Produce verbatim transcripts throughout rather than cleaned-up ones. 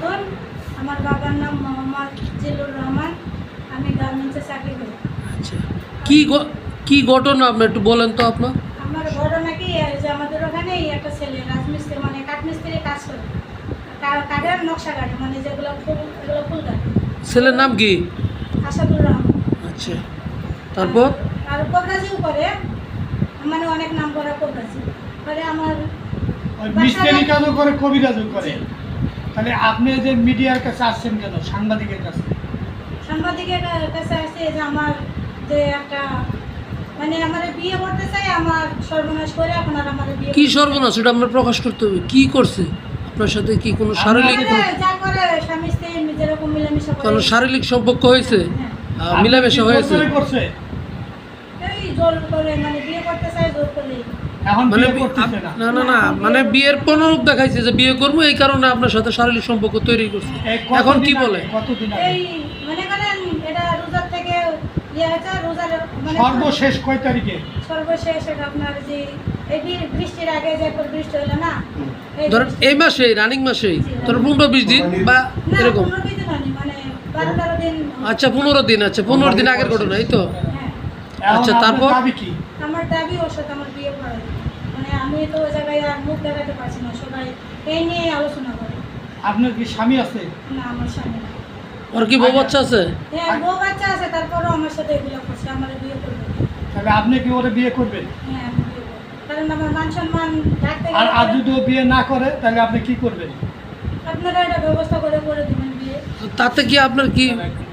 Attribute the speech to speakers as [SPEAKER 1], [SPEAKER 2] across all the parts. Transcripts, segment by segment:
[SPEAKER 1] খাতুন, আমার বাবার নাম মোহাম্মদ জিল্লুর রহমান, আমি গার্মেন্টসে চাকরি করি।
[SPEAKER 2] আচ্ছা, কি ঘ- কি ঘটনা আপনি একটু বলেন তো আপনার?
[SPEAKER 1] আমার ঘটনা কি এই যে আমাদের ওখানে একটা ছেলে রাজমিস্ত্রি মানে কাঠমিস্ত্রি কাজ করে, কা- কাঠের নকশা কাটে, মানে যেগুলো ফুল এগুলো ফুল কাটে।
[SPEAKER 2] ছেলের নাম কি?
[SPEAKER 1] আসাদুর রহমান।
[SPEAKER 2] আচ্ছা, তারপর?
[SPEAKER 1] আর কবরাজিও করে, মানে অনেক নাম করা কবরাজি করে। আমার
[SPEAKER 3] ওই মিস্ত্রি কাজও করে, কবিরাজও করে। তাহলে আপনি যে মিডিয়ার কাছে আসছেন কেন, সাংবাদিকের কাছে?
[SPEAKER 1] সাংবাদিকের কাছে আসছে যে আমার যে একটা মানে আমার বিয়ে করতে চাই, আমার সর্বনাশ করে এখন আর আমার বিয়ে
[SPEAKER 2] কি সর্বনাশ, ওটা আমরা প্রকাশ করতে হবে। কি করছে আপনার সাথে? কি কোনো শারীরিক
[SPEAKER 1] করে,
[SPEAKER 2] কোনো-
[SPEAKER 1] যা করে স্বামী স্ত্রী যেরকম মিলামিশা করে।
[SPEAKER 2] কোনো শারীরিক সম্পর্ক হয়েছে?
[SPEAKER 1] হ্যাঁ,
[SPEAKER 2] আহ, মিলামেশা
[SPEAKER 3] আপনি কি
[SPEAKER 2] হয়েছে?
[SPEAKER 3] জোর করে করছে?
[SPEAKER 1] এই জোর করে মানে বিয়ে করতে চাই জোর করে।
[SPEAKER 3] এখন
[SPEAKER 2] মানে
[SPEAKER 3] বিয়ে
[SPEAKER 2] বি-
[SPEAKER 3] করতেছে না।
[SPEAKER 2] আপ- না না না মানে বিয়ের পনেরূপ দেখাইছে যে বিয়ে করবো, এই কারণে আপনার সাথে শারীরিক সম্পর্ক তৈরি করছে।
[SPEAKER 3] এই কতদিন
[SPEAKER 2] এখন কি
[SPEAKER 3] আগে?
[SPEAKER 2] বলে?
[SPEAKER 3] কতদিন আগে?
[SPEAKER 1] এই মনে করেন এটা রোজার থেকে ইয়ে হয়েছে, রোজার মানে
[SPEAKER 3] সর্বশেষ কয় তারিখে?
[SPEAKER 1] সর্বশেষ এটা আপনার যে এই বি- বৃষ্টির আগে যে একবার বৃষ্টি হলো না, এই
[SPEAKER 2] ধরেন
[SPEAKER 1] বৃষ্টি-
[SPEAKER 2] এই মাসে রানিং মাসেই ধরুন পনেরো বিশ দিন বা
[SPEAKER 1] না,
[SPEAKER 2] এরকম।
[SPEAKER 1] পনেরো দিন হয়নি, মানে বারো তেরো দিন।
[SPEAKER 2] আচ্ছা, পনেরো দিন। আচ্ছা, পনেরো দিন আগের ঘটনা, এই তো?
[SPEAKER 1] হ্যাঁ,
[SPEAKER 3] এখন
[SPEAKER 2] আচ্ছা,
[SPEAKER 3] আপনার
[SPEAKER 2] তারপর?
[SPEAKER 3] দাবি কি?
[SPEAKER 1] আমার দাবি ওর সাথে আমার বিয়ে করা, মানে আমি তো ওই জায়গায় আর মুখ দেখাতে পারছি না, সবাই এই নিয়ে আলোচনা করে।
[SPEAKER 3] আপনার কি স্বামী আছে?
[SPEAKER 1] না, আমার স্বামী না।
[SPEAKER 2] ওর কি বউ বাচ্চা আছে?
[SPEAKER 1] হ্যাঁ, বউ বাচ্চা আছে, তারপরও আমার সাথে এগুলো করছে, আমার বিয়ে করবে।
[SPEAKER 3] তাহলে আপনি কি ওরে বিয়ে করবেন?
[SPEAKER 1] হ্যাঁ, আমি বিয়ে করবো, কারণ আমার মান সম্মান রাখতে
[SPEAKER 3] আর আর
[SPEAKER 1] গেলে
[SPEAKER 3] যদি ও বিয়ে না করে তাহলে আপনি কি করবেন?
[SPEAKER 1] আপনারা এটা ব্যবস্থা করে করে দেবেন বিয়ে।
[SPEAKER 2] তাতে কি আপনার কি?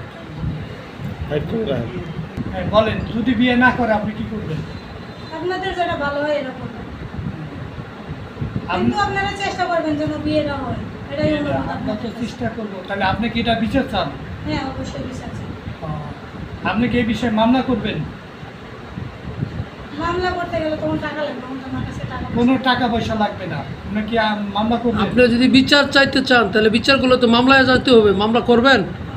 [SPEAKER 3] হ্যাঁ, বলেন, যদি বিয়ে না করে আপনি কি করবেন?
[SPEAKER 1] আপনাদের যেটা ভালো হয় এটা করবেন,
[SPEAKER 3] আপনি
[SPEAKER 1] কিন্তু আপনারা চেষ্টা করবেন যেন বিয়েটা হয়, এটাই অনুরোধ
[SPEAKER 3] আমরা
[SPEAKER 1] আপনাদের
[SPEAKER 3] তো
[SPEAKER 1] কাছে।
[SPEAKER 3] চেষ্টা করবো। তাহলে আপনি কি এটা বিচার চান?
[SPEAKER 1] হ্যাঁ, অবশ্যই বিশ্বাস আছে।
[SPEAKER 3] আপনি কি এই বিষয়ে মামলা করবেন?
[SPEAKER 1] মামলা করতে গেলে তখন টাকা লাগবে, তখন আমার কাছে টাকা পয়সা
[SPEAKER 3] কোনো টাকা পয়সা লাগবে না। আপনি কি আম- মামলা করবেন?
[SPEAKER 2] আপনি যদি বিচার চাইতে চান তাহলে বিচারগুলো তো মামলায় যেতে হবে। মামলা করবেন?